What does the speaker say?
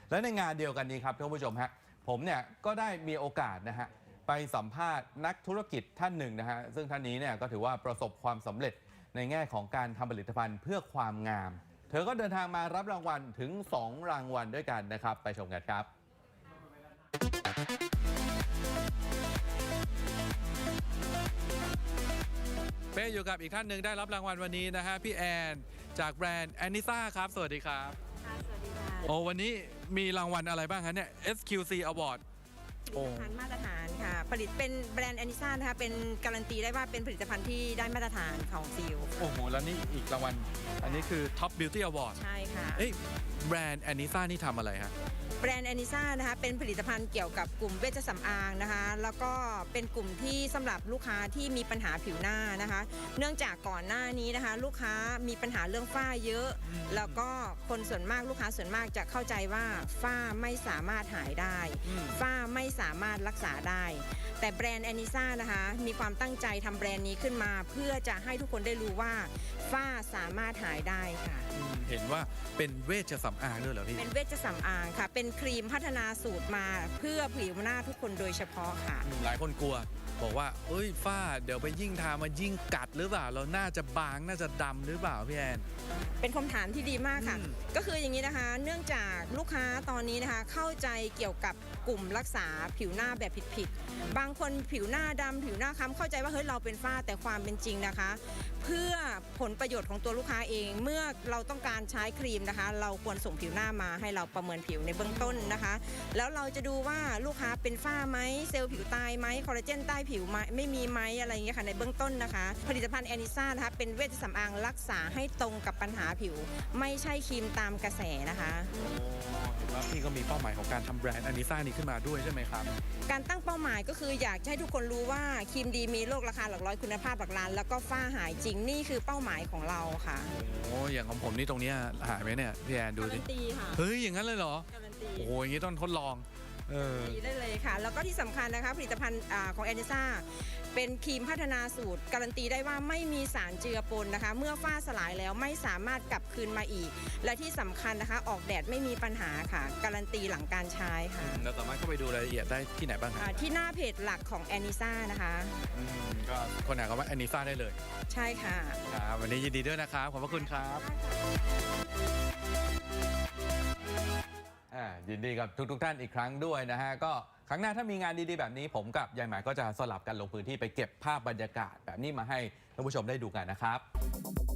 และในงานเดียวกันนี้ครับท่านผู้ชมฮะผมเนี่ยก็ได้มีโอกาสนะฮะไปสัมภาษณ์นักธุรกิจท่านหนึ่งนะฮะซึ่งท่านนี้เนี่ยก็ถือว่าประสบความสำเร็จในแง่ของการทำผลิตภัณฑ์เพื่อความงามเธอก็เดินทางมารับรางวัลถึง2 รางวัลด้วยกันนะครับไปชมกันครับเป้อยู่กับอีกท่านหนึ่งได้รับรางวัลวันนี้นะฮะพี่แอนจากแบรนด์แอนนิซ่าครับสวัสดีครับสวัสดีค่ะโอ้วันนี้มีรางวัลอะไรบ้างคะเนี่ย SQC Award ผลิตภัณฑ์มาตรฐานค่ะผลิตเป็นแบรนด์แอนนิซ่านะคะเป็นการันตีได้ว่าเป็นผลิตภัณฑ์ที่ได้มาตรฐานของซีลโอ้โหแล้วนี่อีกรางวัลอันนี้คือ Top Beauty Award ใช่ค่ะแบรนด์แอนนิซ่านี่ทำอะไรฮะแบรนด์แอนนิซ่านะคะเป็นผลิตภัณฑ์เกี่ยวกับกลุ่มเวชสำอางนะคะแล้วก็เป็นกลุ่มที่สำหรับลูกค้าที่มีปัญหาผิวหน้านะคะเนื่องจากก่อนหน้านี้นะคะลูกค้ามีปัญหาเรื่องฝ้าเยอะแล้วก็คนส่วนมากลูกค้าส่วนมากจะเข้าใจว่าฝ้าไม่สามารถหายได้ฝ้าไม่สามารถรักษาได้แต่แบรนด์แอนนิซ่านะคะมีความตั้งใจทำแบรนด์นี้ขึ้นมาเพื่อจะให้ทุกคนได้รู้ว่าฝ้าสามารถหายได้ค่ะเห็นว่าเป็นเวชสำอางด้วยเหรอพี่เป็นเวชสำอางค่ะเป็นครีมพัฒนาสูตรมาเพื่อผิวหน้าทุกคนโดยเฉพาะค่ะหลายคนกลัวบอกว่าเอ้ยฝ้าเดี๋ยวไปยิ่งทามายิ่งกัดหรือเปล่าเราน่าจะบางน่าจะดำหรือเปล่าพี่แอนเป็นคำถามที่ดีมากค่ะก็คืออย่างนี้นะคะเนื่องจากลูกค้าตอนนี้นะคะเข้าใจเกี่ยวกับกลุ่มรักษาผิวหน้าแบบผิดๆบางคนผิวหน้าดำผิวหน้าค้ำเข้าใจว่าเฮ้ยเราเป็นฝ้าแต่ความเป็นจริงนะคะเพื่อผลประโยชน์ของตัวลูกค้าเองเมื่อเราต้องการใช้ครีมนะคะเราควรส่งผิวหน้ามาให้เราประเมินผิวในเบื้องต้นนะคะแล้วเราจะดูว่าลูกค้าเป็นฝ้าไหมเซลล์ผิวตายไหมคอลลาเจนใต้ผิวไม่มีไหมอะไรอย่างเงี้ยค่ะในเบื้องต้นนะคะผลิตภัณฑ์แอนนิซ่านะคะเป็นเวชสำอางรักษาให้ตรงกับปัญหาผิวไม่ใช่ครีมตามกระแสนะคะเห็นว่าพี่ก็มีเป้าหมายของการทำแบรนด์แอนนิซ่านี้ขึ้นมาด้วยใช่ไหมครับการตั้งเป้าหมายก็คืออยากให้ทุกคนรู้ว่าครีมดีมีโลกราคาหลักร้อยคุณภาพหลักล้านแล้วก็ฝ้าหายจริงนี่คือเป้าหมายของเราค่ะโอ้อย่างของผมนี่ตรงนี้หายไหมเนี่ยพี่แอนดูดิการันตีค่ะเฮ้ยอย่างนั้นเลยเหรอการันตีโอ้โหอย่างนี้ต้องทดลองดีได้เลยค่ะแล้วก็ที่สำคัญนะคะผลิตภัณฑ์ของแอนนิซ่าเป็นครีมพัฒนาสูตรการันตีได้ว่าไม่มีสารเจือปนนะคะเมื่อฝ้าสลายแล้วไม่สามารถกลับคืนมาอีกและที่สำคัญนะคะออกแดดไม่มีปัญหาค่ะการันตีหลังการใช้ค่ะเราสามารถเข้าไปดูรายละเอียดได้ที่ไหนบ้างครับที่หน้าเพจหลักของแอนนิซ่านะคะก็คนหาคำว่าแอนนิซ่าได้เลยใช่ค่ะครับวันนี้ยินดีด้วยนะครับขอบพระคุณครับยินดีกับทุกท่านอีกครั้งด้วยนะฮะก็ครั้งหน้าถ้ามีงานดีๆแบบนี้ผมกับยายหมายก็จะสลับกันลงพื้นที่ไปเก็บภาพบรรยากาศแบบนี้มาให้ท่านผู้ชมได้ดูกันนะครับ